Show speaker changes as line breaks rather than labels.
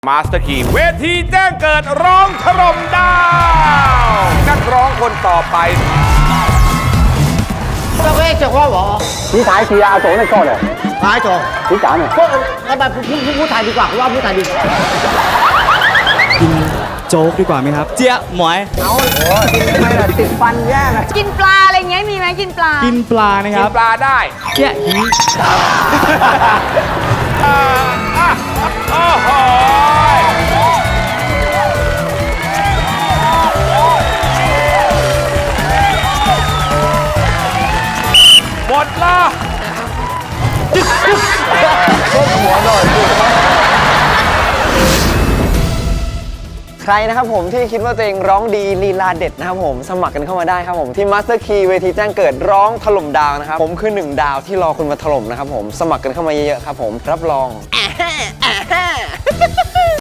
มาสเตอร์คีเวทีแจ้งเกิดร้องถล่มดาวนักร้องคนต่อไป
这个讲话我，
你睇住阿祖你過嚟，
哪一種？
你揀啊！
不，พูดไทยดีกว่าว่าพูดไทยดีกว่า
กินโจ๊กดีกว่าไหมครับ เจี๊ยหมวย
ไม่ล่ะติดฟันแย่เลย
กินปลาอะไรเงี้ยมีไหมกินปลา
กินปลานะค
กิ
รั
น
บ
ปลาได้
เจี๊ยหิน
โอ้โหหมดละ
ใครนะครับผมที่คิดว่าตัวเองร้องดีลีลาเด็ดนะครับผมสมัครกันเข้ามาได้ครับผมที่ Master Key เวทีแจ้งเกิดร้องถล่มดาวนะครับผมคือ1ดาวที่รอคุณมาถล่มนะครับผมสมัครกันเข้ามาเยอะๆครับผมรับรอง